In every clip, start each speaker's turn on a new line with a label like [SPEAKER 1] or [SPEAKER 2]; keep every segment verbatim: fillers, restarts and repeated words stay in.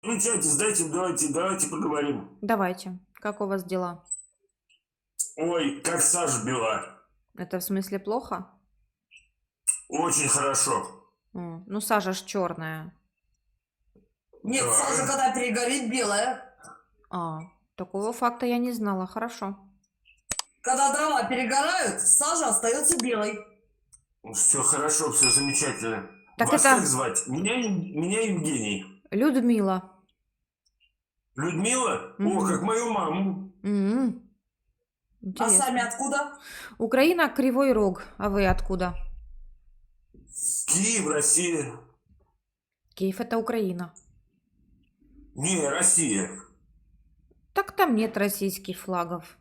[SPEAKER 1] Включайтесь, дайте, давайте, давайте поговорим.
[SPEAKER 2] Давайте. Как у вас дела?
[SPEAKER 1] Ой, как Саша била.
[SPEAKER 2] Это в смысле плохо?
[SPEAKER 1] Очень хорошо.
[SPEAKER 2] М, Ну, сажа ж черная.
[SPEAKER 3] Нет,
[SPEAKER 1] Да.
[SPEAKER 3] сажа, когда перегорит, белая.
[SPEAKER 2] А, такого факта я не знала. Хорошо.
[SPEAKER 3] Когда дрова перегорают, сажа остается белой.
[SPEAKER 1] Все хорошо, все замечательно.
[SPEAKER 2] Так
[SPEAKER 1] Вас
[SPEAKER 2] это-
[SPEAKER 1] как звать? Меня, Ев- меня Евгений.
[SPEAKER 2] Людмила.
[SPEAKER 1] Людмила? О,
[SPEAKER 2] Мгм.
[SPEAKER 1] как мою маму.
[SPEAKER 2] М,
[SPEAKER 3] А
[SPEAKER 2] Интересно.
[SPEAKER 3] сами откуда?
[SPEAKER 2] Украина, Кривой Рог. А вы откуда?
[SPEAKER 1] Киев, Россия.
[SPEAKER 2] Киев это Украина.
[SPEAKER 1] Не, Россия.
[SPEAKER 2] Так там нет российских флагов.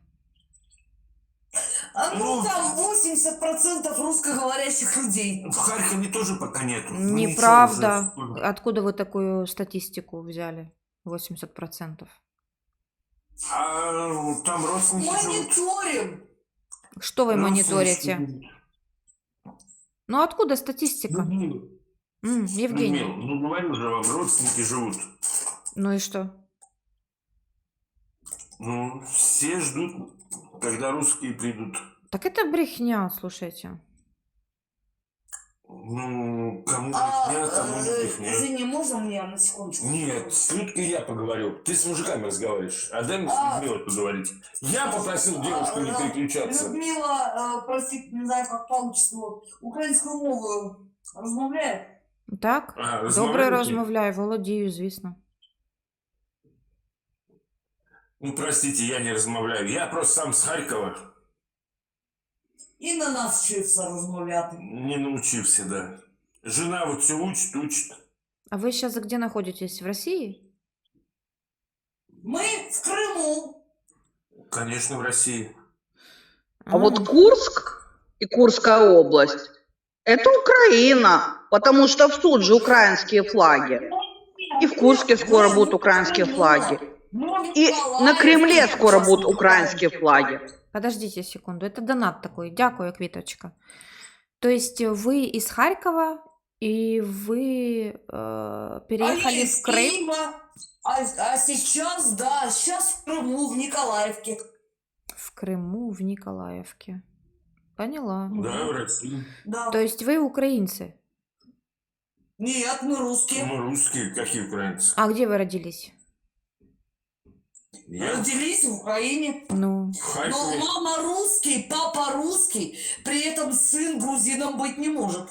[SPEAKER 3] А ну,
[SPEAKER 1] Ну.
[SPEAKER 3] там восемьдесят процентов русскоговорящих людей.
[SPEAKER 1] В Харькове тоже пока нету. Ну,
[SPEAKER 2] Неправда.
[SPEAKER 1] ничего уже.
[SPEAKER 2] Откуда вы такую статистику взяли? восемьдесят процентов.
[SPEAKER 1] А там родственники живут.
[SPEAKER 3] Мониторим.
[SPEAKER 2] Что вы мониторите?
[SPEAKER 1] Родственники.
[SPEAKER 2] Ну откуда статистика?
[SPEAKER 1] Людмила,
[SPEAKER 2] М, Евгений.
[SPEAKER 1] Людмила, ну говорю же вам, родственники живут.
[SPEAKER 2] Ну и что?
[SPEAKER 1] Ну, все ждут, когда русские придут.
[SPEAKER 2] Так это брехня, слушайте.
[SPEAKER 1] Ну, кому
[SPEAKER 3] А,
[SPEAKER 1] брехня, кому не
[SPEAKER 3] э,
[SPEAKER 1] брехня.
[SPEAKER 3] извини, можно мне на секундочку?
[SPEAKER 1] Нет, с Людкой я поговорю. Ты с мужиками разговариваешь. А дай мне с
[SPEAKER 3] А.
[SPEAKER 1] Людмилой поговорить. Я попросил девушку не
[SPEAKER 3] А,
[SPEAKER 1] переключаться.
[SPEAKER 3] Людмила, э, простите, не знаю, как получится. Вот, українською мовою розмовляє?
[SPEAKER 2] Так?
[SPEAKER 1] А,
[SPEAKER 2] Добре
[SPEAKER 1] розмовляєте?
[SPEAKER 2] розмовляю, володію, звісно.
[SPEAKER 1] Ну, простите, я не размовляю. Я просто сам с Харькова.
[SPEAKER 3] І на нас вчився розмовляти.
[SPEAKER 1] Не научился, да. Жена вот все учит, учит.
[SPEAKER 2] А вы сейчас где находитесь? В России?
[SPEAKER 3] Ми в Криму.
[SPEAKER 1] Конечно, в России.
[SPEAKER 4] А вот Курск и Курская область – это Украина, потому что в суд же украинские флаги. И в Курске скоро будут украинские флаги. И на Кремле скоро будут украинские флаги.
[SPEAKER 2] Подождите секунду, это донат такой. Дякую, Квиточка. То есть вы из Харькова и вы э, переехали
[SPEAKER 3] Они
[SPEAKER 2] в
[SPEAKER 3] из
[SPEAKER 2] Крым?
[SPEAKER 3] Киева, а, а сейчас, да, сейчас в Крыму, в Николаевке.
[SPEAKER 2] В Крыму, в Николаевке. Поняла.
[SPEAKER 1] Да, в России.
[SPEAKER 3] Да.
[SPEAKER 2] То есть вы украинцы?
[SPEAKER 3] Нет, мы русские.
[SPEAKER 1] Мы русские, какие украинцы.
[SPEAKER 2] А где вы родились?
[SPEAKER 1] Я
[SPEAKER 3] Родились в Украине.
[SPEAKER 2] Ну,
[SPEAKER 1] в
[SPEAKER 3] Но
[SPEAKER 1] Харькове.
[SPEAKER 3] мама русский, папа русский, при этом сын грузином быть не может.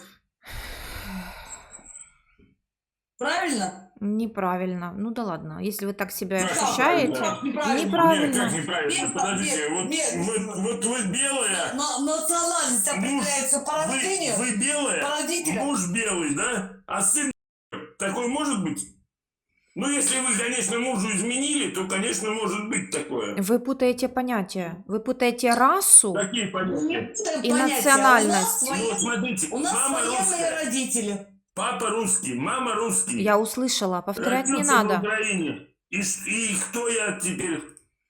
[SPEAKER 3] Правильно?
[SPEAKER 2] неправильно. Ну да ладно, если вы так себя
[SPEAKER 1] Как
[SPEAKER 2] ощущаете.
[SPEAKER 3] неправильно?
[SPEAKER 1] Нет,
[SPEAKER 2] Неправильно.
[SPEAKER 1] как неправильно?
[SPEAKER 3] Нет,
[SPEAKER 1] Подождите,
[SPEAKER 3] нет,
[SPEAKER 1] вот,
[SPEAKER 3] нет.
[SPEAKER 1] вот, вот вы белая.
[SPEAKER 3] На- национальность определяется по
[SPEAKER 1] вы,
[SPEAKER 3] рождению.
[SPEAKER 1] вы белая,
[SPEAKER 3] по родителям.
[SPEAKER 1] муж белый, да? А сын такой может быть? Ну, если вы, конечно, мужу изменили, то, конечно, может быть такое.
[SPEAKER 2] Вы путаете понятия. Вы путаете расу.
[SPEAKER 1] Какие понятия?
[SPEAKER 3] Нет,
[SPEAKER 2] И
[SPEAKER 3] понятия.
[SPEAKER 2] национальность.
[SPEAKER 3] У нас,
[SPEAKER 1] Ну,
[SPEAKER 3] воен-
[SPEAKER 1] смотрите,
[SPEAKER 3] у нас
[SPEAKER 1] мама
[SPEAKER 3] военные
[SPEAKER 1] русская,
[SPEAKER 3] родители.
[SPEAKER 1] папа русский, мама русский.
[SPEAKER 2] Я услышала, повторять не
[SPEAKER 1] Родился в
[SPEAKER 2] надо.
[SPEAKER 1] Украине. И, ш- и кто я теперь?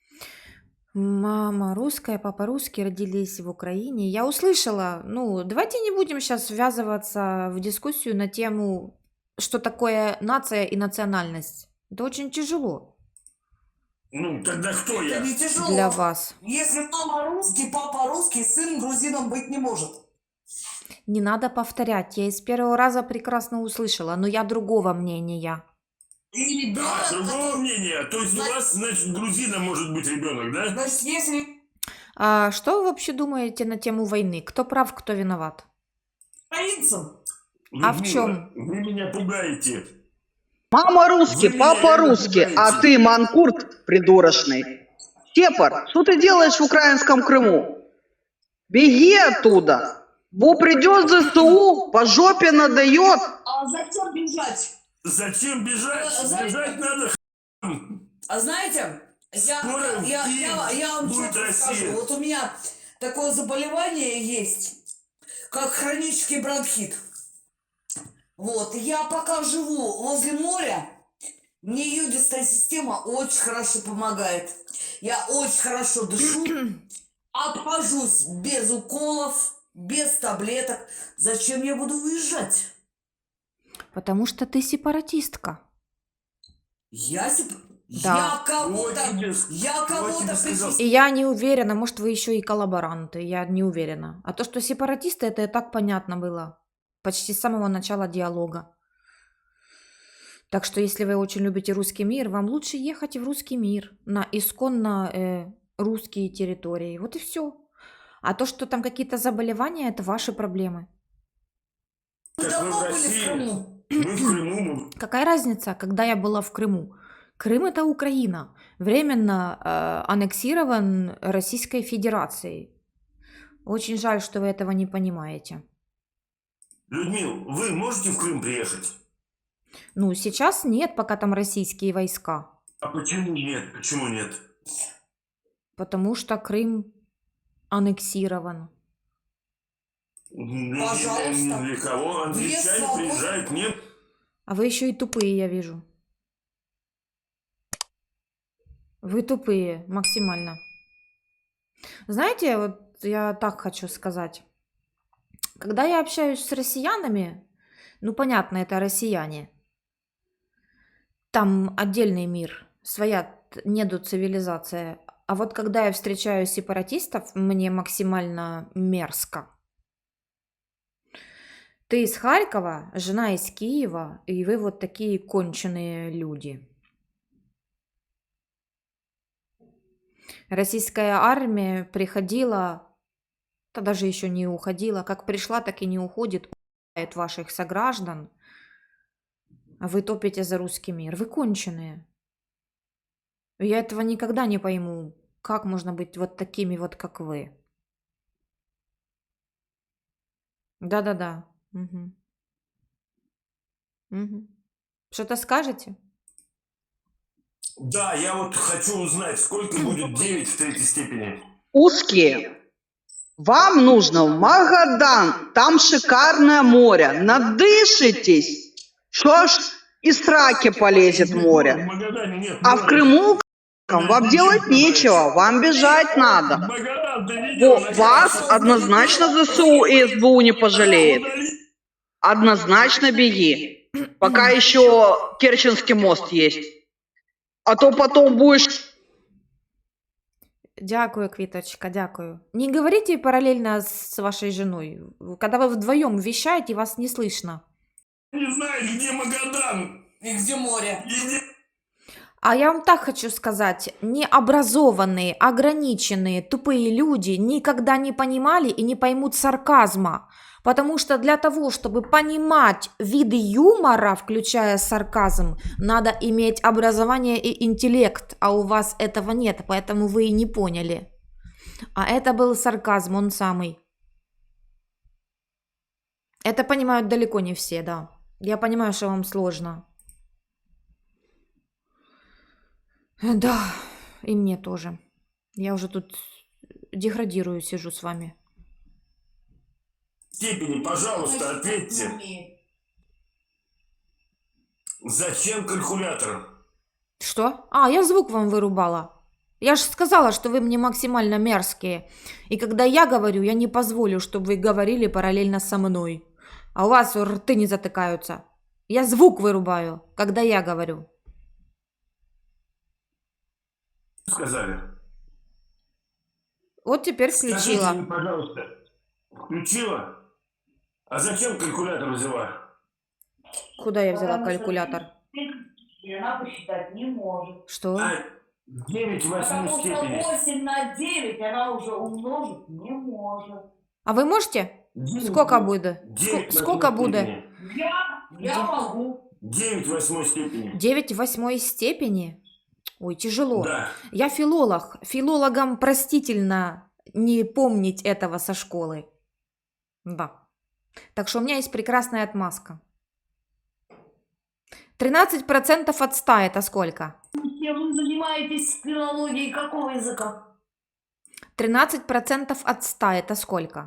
[SPEAKER 2] Мама русская, папа русский, родились в Украине. Я услышала. Ну, давайте не будем сейчас ввязываться в дискуссию на тему, что такое нация и национальность. Это очень тяжело
[SPEAKER 1] Ну, тогда кто
[SPEAKER 3] Это
[SPEAKER 1] я?
[SPEAKER 3] не тяжело.
[SPEAKER 2] для вас.
[SPEAKER 3] Если мама русский, папа русский, сын грузином быть не может.
[SPEAKER 2] Не надо повторять. Я из первого раза прекрасно услышала, но я другого мнения.
[SPEAKER 3] И ребенок,
[SPEAKER 1] А, другого
[SPEAKER 3] который-
[SPEAKER 1] мнения. То есть у
[SPEAKER 3] Значит-
[SPEAKER 1] вас, значит, грузином может быть ребенок, да?
[SPEAKER 3] Значит, если
[SPEAKER 2] А что вы вообще думаете на тему войны? Кто прав, кто виноват?
[SPEAKER 3] украинцам,
[SPEAKER 2] А в
[SPEAKER 1] Людмила,
[SPEAKER 2] чём?
[SPEAKER 1] Вы меня пугаете.
[SPEAKER 4] Мама русский,
[SPEAKER 1] Вы
[SPEAKER 4] папа
[SPEAKER 1] меня
[SPEAKER 4] русский, а
[SPEAKER 1] пугаете.
[SPEAKER 4] ты манкурт придурочный. Степор, что ты делаешь в украинском Крыму? Беги оттуда. Бо придет ЗСУ, по жопе надает.
[SPEAKER 3] а зачем бежать?
[SPEAKER 1] Зачем бежать?
[SPEAKER 3] Э, знаете-
[SPEAKER 1] Бежать надо.
[SPEAKER 3] А знаете, я,
[SPEAKER 1] Скоро
[SPEAKER 3] я, я,
[SPEAKER 1] Киев
[SPEAKER 3] я, я вам
[SPEAKER 1] будет
[SPEAKER 3] честно
[SPEAKER 1] Россия.
[SPEAKER 3] скажу, вот у меня такое заболевание есть, как хронический бронхит. Вот, я пока живу возле моря, мне йодистая система очень хорошо помогает. Я очень хорошо дышу, обхожусь без уколов, без таблеток. Зачем я буду уезжать?
[SPEAKER 2] Потому что ты сепаратистка.
[SPEAKER 3] Я, сеп-
[SPEAKER 2] Да.
[SPEAKER 3] я кого-то,
[SPEAKER 1] Вот тебе с-
[SPEAKER 3] я
[SPEAKER 1] вот
[SPEAKER 3] кого-то
[SPEAKER 1] тебе сказал.
[SPEAKER 2] И я не уверена, может, вы еще и коллаборанты, я не уверена. А то, что сепаратисты, это и так понятно было. Почти с самого начала диалога. Так что, если вы очень любите русский мир, вам лучше ехать в русский мир, на исконно э, русские территории. Вот и все. А то, что там какие-то заболевания, это ваши проблемы.
[SPEAKER 3] Мы
[SPEAKER 1] Как вы
[SPEAKER 3] давно
[SPEAKER 1] в
[SPEAKER 3] были в
[SPEAKER 1] России.
[SPEAKER 3] Крыму.
[SPEAKER 1] Мы в Крыму, мы
[SPEAKER 2] Какая разница, когда я была в Крыму? Крым это Украина, временно э, аннексирован Российской Федерацией. Очень жаль, что вы этого не понимаете.
[SPEAKER 1] Людмил, вы можете в Крым приехать?
[SPEAKER 2] Ну, сейчас нет, пока там российские войска,
[SPEAKER 1] А почему нет? Почему нет?
[SPEAKER 2] потому что Крым аннексирован.
[SPEAKER 1] Ни-
[SPEAKER 3] Пожалуйста.
[SPEAKER 1] ни- ни для кого.
[SPEAKER 3] Две
[SPEAKER 1] Англичане
[SPEAKER 3] свободы.
[SPEAKER 1] приезжают, нет?
[SPEAKER 2] А вы еще и тупые, я вижу. Вы тупые, максимально. Знаете, вот я так хочу сказать. Когда я общаюсь с россиянами, ну, понятно, это россияне. Там отдельный мир, своя т- недоцивилизация. А вот когда я встречаю сепаратистов, мне максимально мерзко. Ты из Харькова, жена из Киева, и вы вот такие конченые люди. Российская армия приходила, да даже еще не уходила, как пришла, так и не уходит, убивает ваших сограждан, а вы топите за русский мир. Вы конченые. Я этого никогда не пойму. Как можно быть вот такими вот, как вы? Да-да-да. Мгм. Мгм. Что-то скажете?
[SPEAKER 1] Да, я вот хочу узнать, сколько будет девять в третьей степени.
[SPEAKER 4] Узкие. Вам нужно в Магадан. Там шикарное море. Надышитесь. Что ж из сраки полезет
[SPEAKER 1] В
[SPEAKER 4] море.
[SPEAKER 1] Магадане нет
[SPEAKER 4] А в
[SPEAKER 1] моря.
[SPEAKER 4] Крыму вам делать нечего. Вам бежать надо.
[SPEAKER 1] Магадан, ты видел?
[SPEAKER 4] Во- Вас однозначно ЗСУ и СБУ не пожалеет. Однозначно беги. Пока еще Керченский мост есть. А то потом будешь...
[SPEAKER 2] Дякую, Квиточка, дякую. Не говорите параллельно с вашей женой. Когда вы вдвоем вещаете, вас не слышно.
[SPEAKER 1] Не знаешь, где Магадан?
[SPEAKER 3] И где море?
[SPEAKER 1] И где-
[SPEAKER 2] А я вам так хочу сказать, необразованные, ограниченные, тупые люди никогда не понимали и не поймут сарказма. Потому что для того, чтобы понимать виды юмора, включая сарказм, надо иметь образование и интеллект, а у вас этого нет, поэтому вы и не поняли. А это был сарказм, он самый. Это понимают далеко не все, да. Я понимаю, что вам сложно. Да, и мне тоже. Я уже тут деградирую, сижу с вами.
[SPEAKER 1] степени, пожалуйста, ответьте. Зачем калькулятор?
[SPEAKER 2] Что? А, я звук вам вырубала. Я же сказала, что вы мне максимально мерзкие. И когда я говорю, я не позволю, чтобы вы говорили параллельно со мной. А у вас рты не затыкаются. Я звук вырубаю, когда я говорю.
[SPEAKER 1] Сказали.
[SPEAKER 2] Вот теперь
[SPEAKER 1] Скажите
[SPEAKER 2] включила.
[SPEAKER 1] мне, пожалуйста, включила? А зачем калькулятор взяла?
[SPEAKER 2] Куда я взяла
[SPEAKER 3] Потому что
[SPEAKER 2] калькулятор?
[SPEAKER 3] И она посчитать не может.
[SPEAKER 2] Что?
[SPEAKER 1] А девять в восьмой
[SPEAKER 3] Потому что
[SPEAKER 1] степени.
[SPEAKER 3] восемь на девять она уже умножить не может.
[SPEAKER 2] А вы можете?
[SPEAKER 1] Девять-
[SPEAKER 2] Сколько будет?
[SPEAKER 1] девять в
[SPEAKER 2] Ск- Сколько
[SPEAKER 1] восьмой
[SPEAKER 2] будет?
[SPEAKER 1] степени.
[SPEAKER 3] Я, я
[SPEAKER 2] Где?
[SPEAKER 3] могу.
[SPEAKER 1] девять в восьмой степени.
[SPEAKER 2] девять в восьмой степени? Ой, тяжело.
[SPEAKER 1] Да.
[SPEAKER 2] Я филолог. Филологам простительно не помнить этого со школы. Да. Так что у меня есть прекрасная отмазка. тринадцать процентов от ста это сколько?
[SPEAKER 3] Вы занимаетесь филологией какого языка?
[SPEAKER 2] тринадцать процентов от ста это сколько?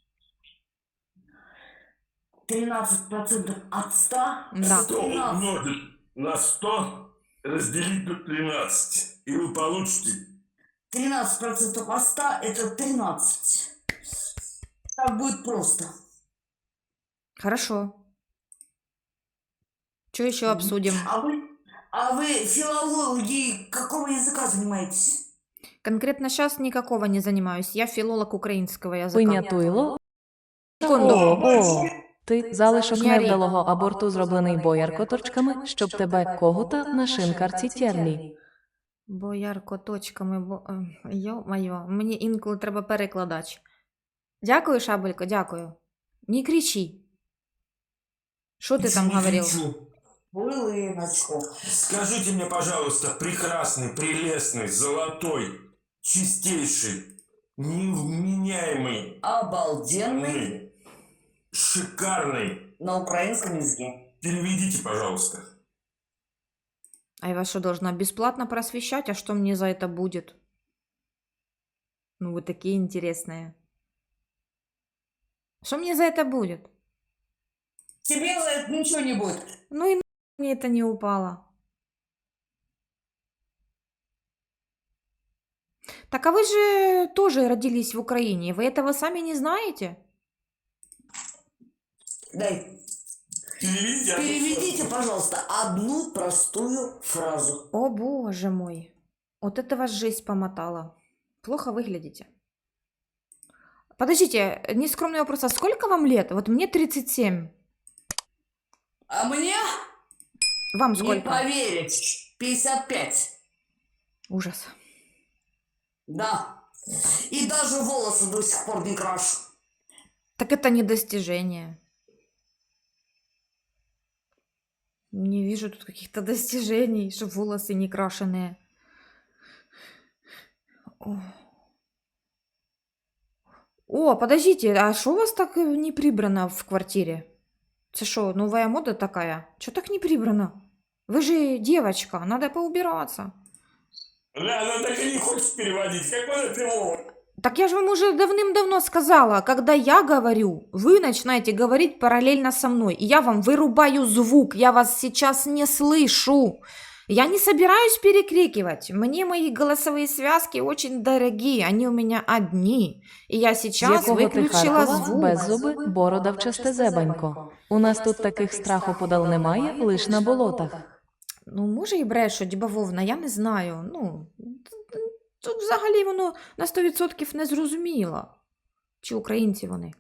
[SPEAKER 3] тринадцать процентов от ста?
[SPEAKER 2] Да.
[SPEAKER 1] сто умножить на сто, разделить на тринадцать. И вы получите...
[SPEAKER 3] тринадцать процентов от ста это тринадцать. Так будет просто.
[SPEAKER 2] Хорошо. Что еще обсудим?
[SPEAKER 3] А вы, а вы филологией какого языка занимаетесь?
[SPEAKER 2] Конкретно сейчас никакого не занимаюсь. Я филолог українського язика.
[SPEAKER 5] Винятуйло.
[SPEAKER 2] Секунду.
[SPEAKER 5] О, о. Ти залишок
[SPEAKER 2] Не орі.
[SPEAKER 5] невдалого аборту, зроблений бояркоторчками, щоб тебе когута на шинкарці тєрлі.
[SPEAKER 2] Боярко точками, бо... е, Йо-майо, мені інколи треба перекладач. Дякую, Шабелько, дякую. Не кричи. Що ти там
[SPEAKER 1] Не
[SPEAKER 2] говорив?
[SPEAKER 1] кричу.
[SPEAKER 3] Хвилиночку.
[SPEAKER 1] Скажите мне, пожалуйста, прекрасный, прелестный, золотой, чистейший, невменяемый,
[SPEAKER 3] Обалденный
[SPEAKER 1] м, шикарный.
[SPEAKER 3] на украинском языке.
[SPEAKER 1] Переведите, пожалуйста.
[SPEAKER 2] А я вас что, должна бесплатно просвещать? А что мне за это будет? Ну, вы такие интересные. Что мне за это будет?
[SPEAKER 3] Тебе за это ничего не будет.
[SPEAKER 2] Ну и на мне это не упало. Так а вы же тоже родились в Украине. Вы этого сами не знаете?
[SPEAKER 3] Дай.
[SPEAKER 1] Переведите.
[SPEAKER 3] Переведите, пожалуйста, одну простую фразу.
[SPEAKER 2] О боже мой. Вот это вас жизнь помотала. Плохо выглядите. Подождите, нескромный вопрос. А сколько вам лет? Вот мне тридцать семь.
[SPEAKER 3] А мне,
[SPEAKER 2] Вам
[SPEAKER 3] не
[SPEAKER 2] сколько?
[SPEAKER 3] поверить, пятьдесят пять.
[SPEAKER 2] Ужас.
[SPEAKER 3] Да. И даже волосы до сих пор не крашу.
[SPEAKER 2] Так это не достижение. Не вижу тут каких-то достижений, что волосы не крашеные. О, О, подождите, а что у вас так э, не прибрано в квартире? Это что, новая мода такая? Что так не прибрано? Вы же девочка, надо поубираться.
[SPEAKER 1] Да, она так и не хочет переводить. Какой филолог?
[SPEAKER 2] Так я же вам уже давным-давно сказала, когда я говорю, вы начинаете говорить параллельно со мной, и я вам вырубаю звук, я вас сейчас не слышу. Я не собираюсь перекрикивать, мне мои голосовые связки очень дорогие, они у меня одни, и я
[SPEAKER 5] З
[SPEAKER 2] сейчас
[SPEAKER 5] якого ти
[SPEAKER 2] выключила
[SPEAKER 5] Харкова,
[SPEAKER 2] звук.
[SPEAKER 5] без зуби, бородавчасте зебенько. У нас тут таких страху подал немає, лиш на болотах.
[SPEAKER 2] Ну, може і брешуть, бавовна, я не знаю. Ну, тут взагалі воно на сто відсотків не зрозуміло. Чи українці вони.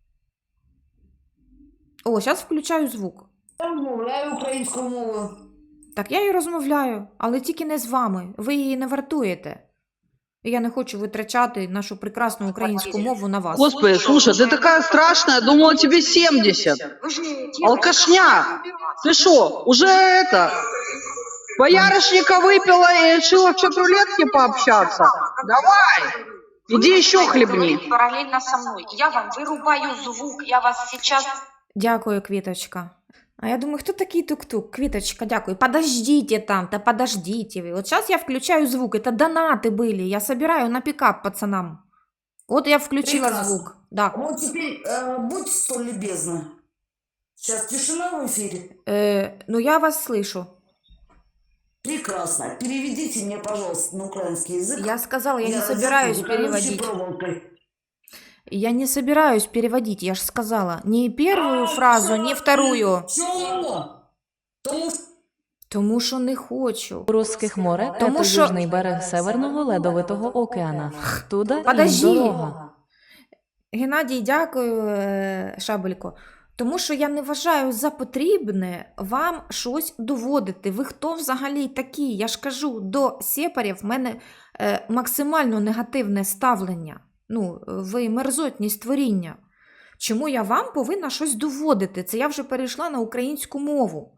[SPEAKER 2] О, зараз включаю звук.
[SPEAKER 3] Я розмовляю українською мовою.
[SPEAKER 2] Так я і розмовляю, але тільки не з вами. Ви її не вартуєте. І я не хочу витрачати нашу прекрасну українську мову на вас.
[SPEAKER 4] Господи, слушай, ты такая страшная, думала тебе семьдесят. Алкашня, ты что, уже это, боярышника выпила и решила в чат-рулетке пообщаться? Давай, иди еще хлебни.
[SPEAKER 2] Параллельно со мною. Я вам вирубаю звук, я вас сейчас... Дякую, Квіточка. А я думаю, хто такий тук-тук? Квіточка, дякую. Подождите там, да подождите вы. Вот сейчас я включаю звук. Это донаты были. Я собираю на пикап пацанам. Вот я включила
[SPEAKER 3] Прекрасно.
[SPEAKER 2] звук. Да.
[SPEAKER 3] Вот теперь э, будьте столь любезны. Сейчас тишина в эфире.
[SPEAKER 2] Э, ну, я вас слышу.
[SPEAKER 3] Прекрасно. Переведите мне, пожалуйста, на украинский язык.
[SPEAKER 2] Я сказала, я не
[SPEAKER 3] розетку
[SPEAKER 2] собираюсь
[SPEAKER 3] за колючей
[SPEAKER 2] переводить.
[SPEAKER 3] проволокой.
[SPEAKER 2] Я не собираюсь переводить, я же сказала. Ни первую фразу, ни вторую.
[SPEAKER 3] Чому? Тому що
[SPEAKER 2] Тому що не хочу.
[SPEAKER 5] У Русських море –
[SPEAKER 2] Тому
[SPEAKER 5] это
[SPEAKER 2] що-
[SPEAKER 5] южний берег Северного Ледовитого океана. Туда їм
[SPEAKER 2] Подожди.
[SPEAKER 5] дорога.
[SPEAKER 2] Геннадій, дякую, е, Шабелько. Тому що я не вважаю за потрібне вам щось доводити. Ви хто взагалі такі? Я ж кажу, до сепарів в мене е, максимально негативне ставлення. Ну, ви мерзотні створіння. Чому я вам повинна щось доводити? Це я вже перейшла на українську мову.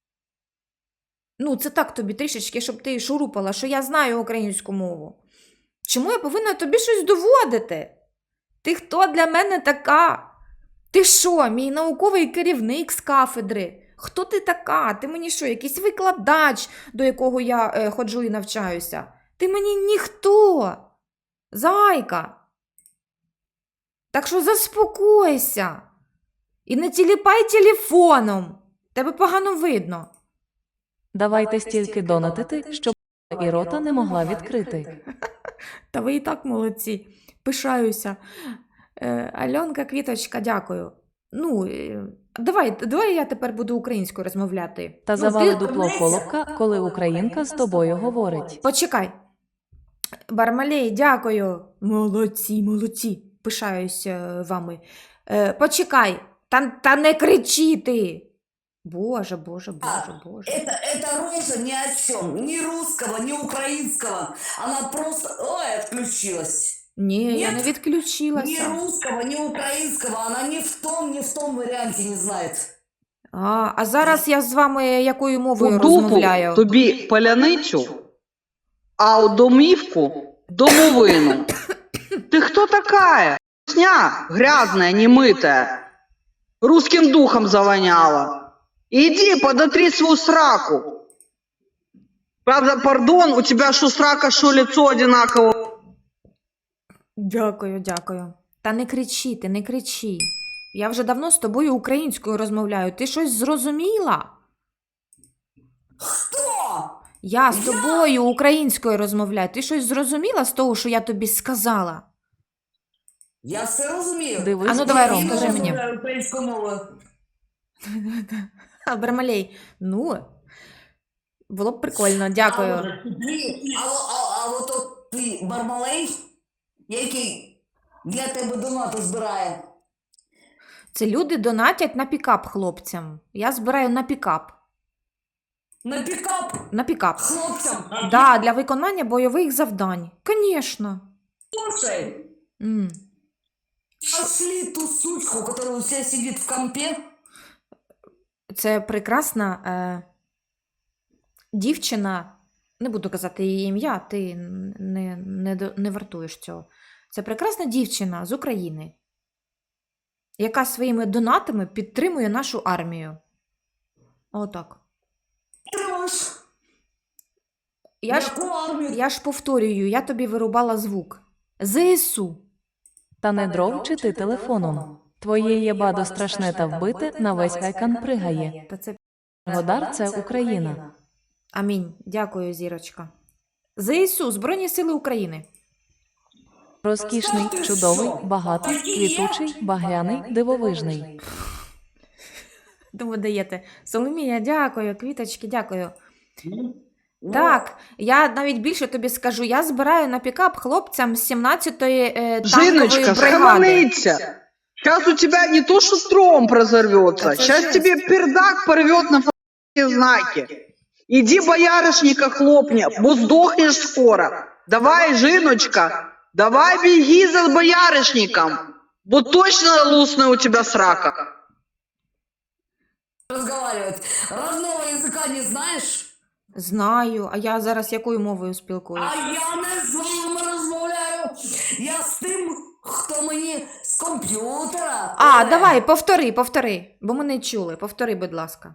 [SPEAKER 2] Ну, це так тобі трішечки, щоб ти шурупала, що я знаю українську мову. Чому я повинна тобі щось доводити? Ти хто для мене така? Ти що, мій науковий керівник з кафедри? Хто ти така? Ти мені що, якийсь викладач, до якого я е, ходжу і навчаюся? Ти мені ніхто. Зайка. Так що заспокойся. І не тіліпай телефоном. Тебе погано видно.
[SPEAKER 5] Давайте стільки донатити, щоб і рота не могла відкрити.
[SPEAKER 2] Та ви і так молодці. Пишаюся. Е, Альонка, Квіточка, дякую. Ну, е, Давай, давай я тепер буду українською розмовляти.
[SPEAKER 5] Та
[SPEAKER 2] Ну,
[SPEAKER 5] завали
[SPEAKER 2] ти-
[SPEAKER 5] дупло колобка, коли українка з тобою говорить.
[SPEAKER 2] Почекай. Бармалей, дякую. Молодці, молодці. Пишаюсь е, вами. Е, почекай. Та, та не кричи ти. Боже, боже, боже, боже.
[SPEAKER 3] Это, эта роза ни о чем. Ни русского, ни украинского. Она просто... Ой, отключилась.
[SPEAKER 2] Ні, я
[SPEAKER 3] Ні.
[SPEAKER 2] не
[SPEAKER 3] Ни
[SPEAKER 2] відключилася.
[SPEAKER 3] русского, ни украинского. Она ни в том, ни в том варианте не знает.
[SPEAKER 2] А, а зараз я з вами якою мовою
[SPEAKER 4] У дупу
[SPEAKER 2] розмовляю?
[SPEAKER 4] тобі паляницю, а у домівку домовину. Ти хто такая? Сня грязная, немытая. Русским духом завоняла. Иди, подотри свою сраку. Правда, пардон, у тебя что срака, что лицо одинаково.
[SPEAKER 2] Дякую, дякую. Та не кричи, ти не кричи. Я вже давно з тобою українською розмовляю. Ти щось зрозуміла?
[SPEAKER 3] Кто?
[SPEAKER 2] Я з тобою українською розмовляю. Ти щось зрозуміла з того, що я тобі сказала?
[SPEAKER 3] Я все розумію.
[SPEAKER 5] Дивись,
[SPEAKER 2] А ну, давай,
[SPEAKER 3] Я
[SPEAKER 5] Ромко.
[SPEAKER 2] розкажи
[SPEAKER 3] не
[SPEAKER 2] мені.
[SPEAKER 3] розмовляю українською мовою.
[SPEAKER 2] А, Бармалей, ну, було б прикольно, дякую.
[SPEAKER 3] А, а, а, а от от ти, Бармалей, який для тебе донати збирає.
[SPEAKER 2] Це люди донатять на пікап хлопцям. Я збираю на пікап.
[SPEAKER 3] На пікап
[SPEAKER 2] На пікап.
[SPEAKER 3] хлопцям.
[SPEAKER 2] Да, для виконання бойових завдань. Конечно.
[SPEAKER 3] Слушай,
[SPEAKER 2] М.
[SPEAKER 3] нашли ту сучку, которая у тебя сидит в компе.
[SPEAKER 2] Це прекрасна е, дівчина, не буду казати її ім'я, ти не, не, до- не вартуєш цього. Це прекрасна дівчина з України, яка своїми донатами підтримує нашу армію. Отак.
[SPEAKER 3] Трош.
[SPEAKER 2] Я ж,
[SPEAKER 3] Яку армію?
[SPEAKER 2] я ж повторюю, я тобі вирубала звук. ЗСУ.
[SPEAKER 5] Та не дров чи ти телефоном. Твоє єбадо страшне та вбите, на весь айкан пригає.
[SPEAKER 2] Та це
[SPEAKER 5] Годар – це Україна.
[SPEAKER 2] амінь. Дякую, зірочка. ЗСУ, Збройні Сили України.
[SPEAKER 5] Розкішний, чудовий, багатий, квітучий, багряний, дивовижний.
[SPEAKER 2] Тому даєте. Соломія, дякую, квіточки, дякую.
[SPEAKER 3] Ну,
[SPEAKER 2] Так, я навіть більше тобі скажу, я збираю на пікап хлопцям з сімнадцятої е, танкової
[SPEAKER 4] Жиночка,
[SPEAKER 2] бригади.
[SPEAKER 4] схаменыться. Сейчас у тебя не то, что стром прозорвется,
[SPEAKER 2] Это
[SPEAKER 4] сейчас
[SPEAKER 2] жесть.
[SPEAKER 4] тебе пердак порвет на ф***ие знаки. Иди боярышника хлопни, бо сдохнешь скоро. Давай, Жиночка, давай беги за боярышником, бо точно лусная у тебя срака.
[SPEAKER 3] разговаривает. Родного языка не знаешь?
[SPEAKER 2] Знаю, а я зараз якою мовою
[SPEAKER 3] А
[SPEAKER 2] спілкуюсь?
[SPEAKER 3] я не з вами розмовляю. Я з тим, хто мені з комп'ютера.
[SPEAKER 2] А,
[SPEAKER 3] Ой.
[SPEAKER 2] давай, повтори, повтори, бо ми не чули. Повтори, будь ласка.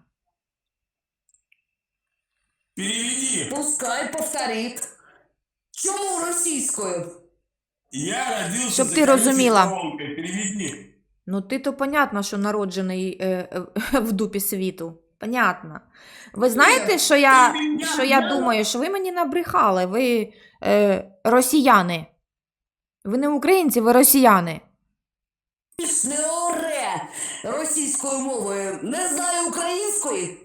[SPEAKER 1] Переведи.
[SPEAKER 3] Пускай повторить. Чому російською?
[SPEAKER 1] Я родился
[SPEAKER 2] Чтоб
[SPEAKER 1] за
[SPEAKER 2] ты
[SPEAKER 1] колючей
[SPEAKER 2] разумела.
[SPEAKER 1] проволокой. Переведи.
[SPEAKER 2] Ну, ти то понятно, що народжений е, е, в дупі світу. Понятно. Ви знаєте, що я, що я думаю, що ви мені набрехали, ви е, росіяни. Ви не українці, ви росіяни.
[SPEAKER 3] Не оре російською мовою. Не знаю української.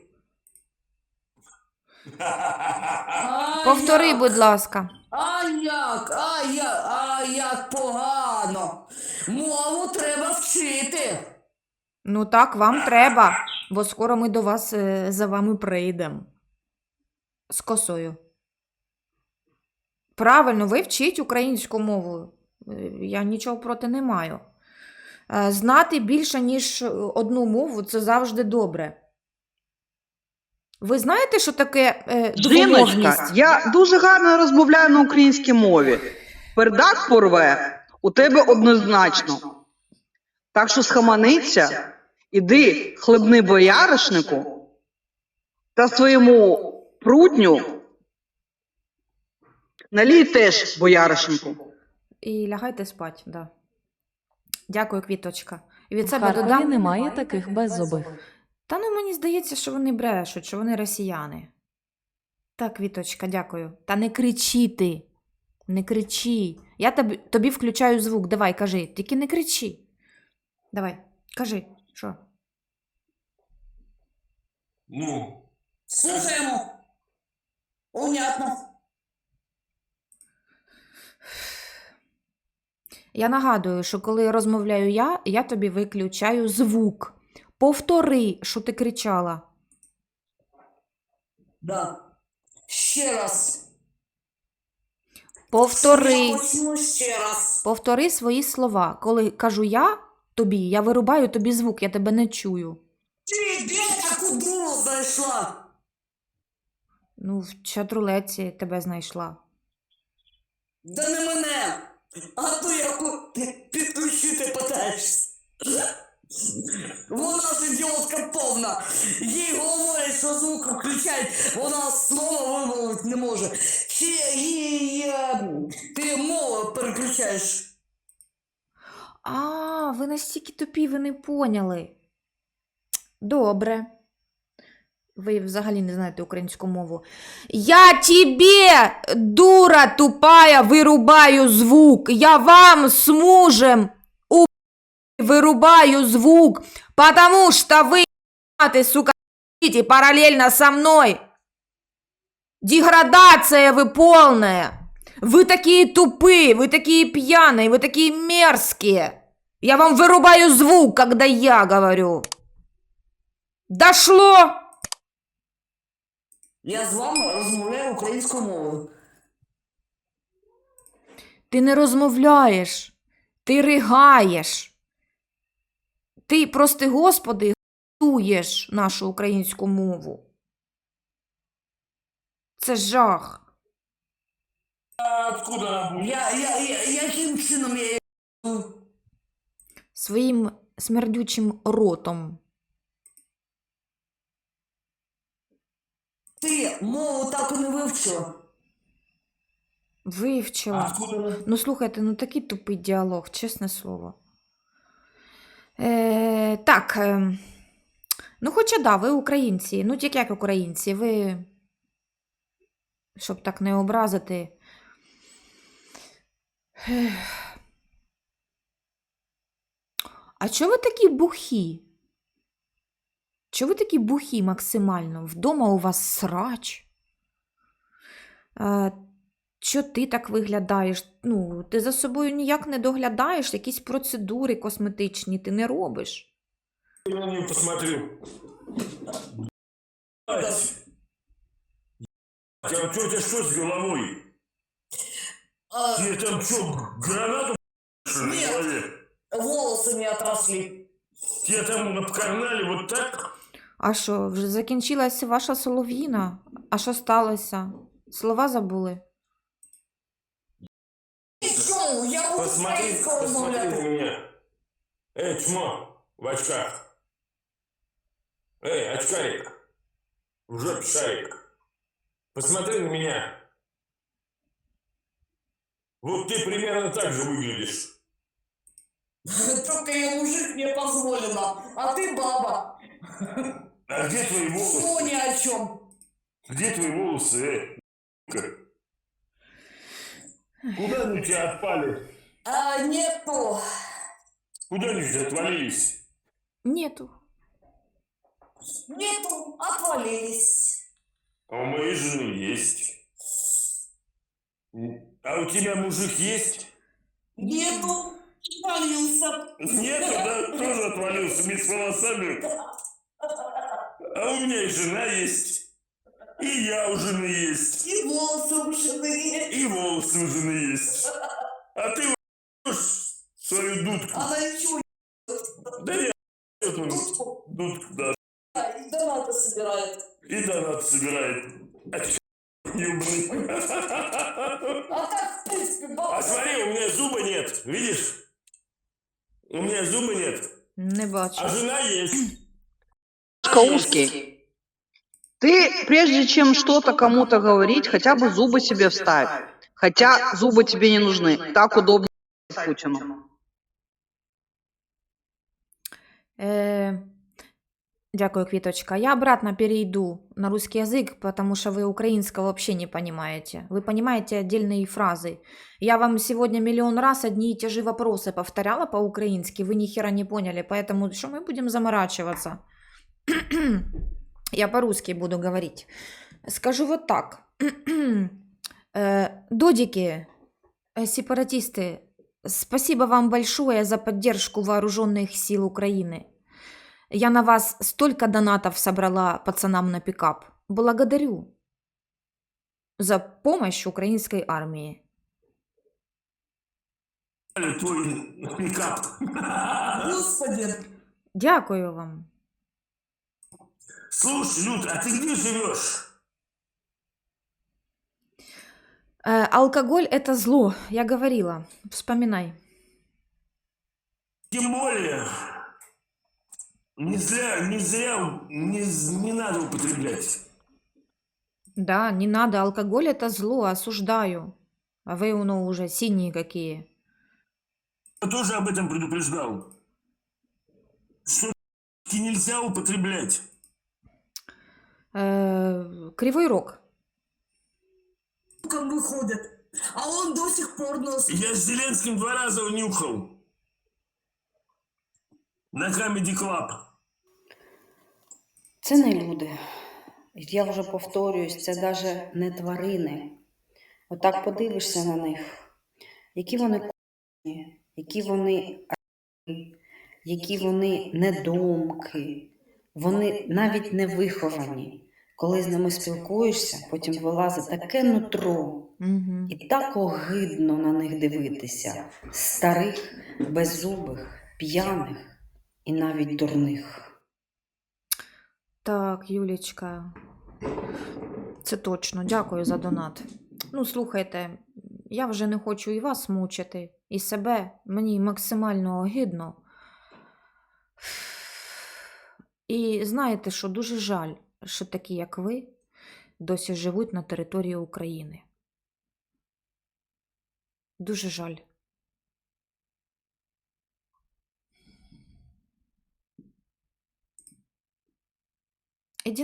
[SPEAKER 3] А
[SPEAKER 2] Повтори,
[SPEAKER 3] як?
[SPEAKER 2] будь ласка.
[SPEAKER 3] А як? А як? А як погано. Мову треба вчити.
[SPEAKER 2] Ну так, вам треба, бо скоро ми до вас е, за вами прийдемо. З косою. Правильно, ви вчіть українську мову. Е, Я нічого проти не маю. Е, Знати більше, ніж одну мову, це завжди добре. Ви знаєте, що таке е,
[SPEAKER 4] Жіночка,
[SPEAKER 2] двомовність?
[SPEAKER 4] я дуже гарно розмовляю на українській мові. Пердак порве у тебе однозначно. Так що схаменіться, іди хлебни бояришнику та своєму прутню налій теж бояришнику.
[SPEAKER 2] І лягайте спать, да. Дякую, квіточка. І від
[SPEAKER 5] В
[SPEAKER 2] себе
[SPEAKER 5] Харкові
[SPEAKER 2] додам.
[SPEAKER 5] немає таких беззубих.
[SPEAKER 2] Та ну мені здається, що вони брешуть, що вони росіяни. Так, Квіточка, дякую. Та не кричи ти. Не кричи. Я тобі, тобі включаю звук. Давай, кажи. Тільки не кричи. Давай, кажи. Що?
[SPEAKER 1] Ну,
[SPEAKER 3] Слушаем. Понятно.
[SPEAKER 2] Я нагадую, що коли розмовляю я, я тобі виключаю звук. Повтори, що ти кричала.
[SPEAKER 3] Да. Ще раз.
[SPEAKER 2] Повтори.
[SPEAKER 3] Я почну ще раз.
[SPEAKER 2] Повтори свої слова. Коли кажу я тобі, я вирубаю тобі звук, я тебе не чую.
[SPEAKER 3] Ти де таку дуру знайшла?
[SPEAKER 2] Ну, в чатрулеці тебе знайшла.
[SPEAKER 3] Да не мене. А то яку ти підключити питаєшся. Вона ж ідіотка повна. Їй говорять, що звук включають, вона слова вимовити не може. Чи їй е, ти мову переключаєш?
[SPEAKER 2] А, ви настільки тупі, ви не поняли. Добре. Ви взагалі не знаєте українську мову. Я тебе, дура тупая, вирубаю звук. Я вам с мужем у вырубаю звук, потому что вы, ты, сука, идите параллельно со мной. Деградация вы полная. Вы такие тупые, вы такие пьяные, вы такие мерзкие. Я вам вырубаю звук, когда я говорю. Дошло?
[SPEAKER 3] Я з вами розмовляю українською мовою.
[SPEAKER 2] Ти не розмовляєш, ти ригаєш. Ти, прости Господи, гуєш нашу українську мову. Це жах.
[SPEAKER 1] а откуда она будет?
[SPEAKER 3] Я, я, я, яким чином я її...
[SPEAKER 2] Своїм смердючим ротом.
[SPEAKER 3] Ти мову так і не вивчила.
[SPEAKER 2] Вивчила.
[SPEAKER 1] Откуда она?
[SPEAKER 2] Ну, слухайте, ну такий тупий діалог, чесне слово. Е, так, е, ну хоча да, ви українці. Ну, тільки як українці, ви, щоб так не образити. Ех. А чого ви такі бухі? Чого ви такі бухі максимально? Вдома у вас срач? Е, Що ти так виглядаєш? Ну, ти за собою ніяк не доглядаєш, якісь процедури косметичні ти не робиш.
[SPEAKER 1] Я на нее посмотрю. Ать. А у тебя что с головой?
[SPEAKER 3] А,
[SPEAKER 1] Тебе там что, гранату что ли, на
[SPEAKER 3] Нет.
[SPEAKER 1] голове?
[SPEAKER 3] волоси не отросли.
[SPEAKER 1] Тебя там обкарнали вот так?
[SPEAKER 2] А що, вже закінчилася ваша солов'їна? А що сталося? Слова забули?
[SPEAKER 3] І що? Я буду
[SPEAKER 1] Посмотри,
[SPEAKER 3] українською
[SPEAKER 1] посмотри на
[SPEAKER 3] розмовляти.
[SPEAKER 1] меня. Эй, чмо, в очках. Эй, очкарик. В жопе шарик. Посмотри на меня. Вот ты примерно так же выглядишь.
[SPEAKER 3] Только я мужик, мне позволено. А ты баба.
[SPEAKER 1] А где твои волосы?
[SPEAKER 3] Что ни о чем.
[SPEAKER 1] Где твои волосы, э? Ка? Куда они у тебя отпали?
[SPEAKER 3] А, нету.
[SPEAKER 1] Куда они у тебя отвалились?
[SPEAKER 2] Нету.
[SPEAKER 3] Нету. Отвалились.
[SPEAKER 1] А у моей жены есть. А у тебя мужик есть?
[SPEAKER 3] Нету. Отвалился.
[SPEAKER 1] Нету, да? Тоже отвалился вместе с волосами. А у меня и жена есть. И я у жены есть.
[SPEAKER 3] И волосы у жены.
[SPEAKER 1] И волосы у жены есть. А ты ешь свою дудку.
[SPEAKER 3] Она ничего
[SPEAKER 1] Да я эту
[SPEAKER 3] не
[SPEAKER 1] дудку, да.
[SPEAKER 3] и донаты собирает.
[SPEAKER 1] И донат собирает. А чё, ёбаный?
[SPEAKER 3] А так, в принципе, баба.
[SPEAKER 1] А смотри, у меня зуба нет. Видишь? У меня зуба нет.
[SPEAKER 2] Не бачу.
[SPEAKER 1] А жена есть.
[SPEAKER 4] Узкий. Ты, прежде чем что-то кому-то говорить, хотя бы зубы себе вставь. Хотя зубы тебе не нужны. Так удобно Путину.
[SPEAKER 2] Е, Дякую, Квіточка. Я обратно перейду на русский язык, потому что вы украинского вообще не понимаете. Вы понимаете отдельные фразы. Я вам сегодня миллион раз одни и те же вопросы повторяла по-украински, вы ни хера не поняли, поэтому что мы будем заморачиваться? Я по-русски буду говорить. Скажу вот так. Э, Додики, э, сепаратисты, спасибо вам большое за поддержку вооруженных сил Украины. Я на вас столько донатов собрала пацанам на пикап. Благодарю за помощь украинской армии.
[SPEAKER 1] Твой пикап.
[SPEAKER 3] Господи,
[SPEAKER 2] Дякую вам.
[SPEAKER 1] Слушай, Люд, а ты где живешь?
[SPEAKER 2] Э, алкоголь – это зло, я говорила. Вспоминай.
[SPEAKER 1] Тем более, не зря, не зря, не, з- не надо употреблять.
[SPEAKER 2] Да, не надо, алкоголь – это зло, осуждаю. А вы, ну, уже синие какие.
[SPEAKER 1] Я тоже об этом предупреждал. Что нельзя употреблять.
[SPEAKER 2] Э, Кривой Рог.
[SPEAKER 3] как выходит. А он до сих пор носит.
[SPEAKER 1] Я с Зеленским два раза унюхал. На Comedy Club.
[SPEAKER 6] Це не люди. Я вже повторююсь, це навіть не тварини. Отак подивишся на них, які вони к***ні, які вони а**ні, які вони недомки, вони навіть не виховані. Коли з ними спілкуєшся, потім вилазить таке нутро,
[SPEAKER 2] Угу.
[SPEAKER 6] і так огидно на них дивитися. Старих, беззубих, п'яних і навіть дурних.
[SPEAKER 2] Так, Юлічка. Це точно. Дякую за донат. Ну, слухайте, я вже не хочу і вас мучити, і себе. Мені максимально огидно. І знаєте, що дуже жаль, що такі, як ви, досі живуть на території України. Дуже жаль. Іди.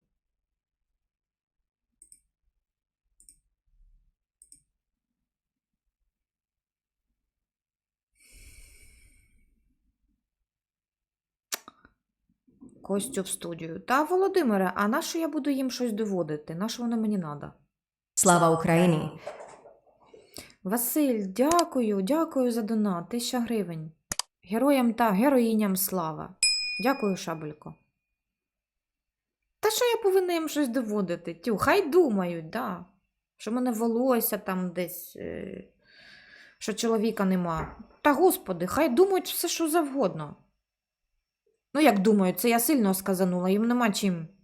[SPEAKER 2] Костю в студію. Та, Володимире, а на що я буду їм щось доводити? На що воно мені треба?
[SPEAKER 7] Слава Україні!
[SPEAKER 2] Василь, дякую, дякую за донат. Тисяча гривень. Героям та героїням слава. Дякую, Шабелько. Та що я повинна їм щось доводити? Тю, хай думають, да. Що в мене волосся там десь, е... що чоловіка нема. Та господи, хай думають все, що завгодно. Ну як думають, це я сильно сказанула, їм нема чим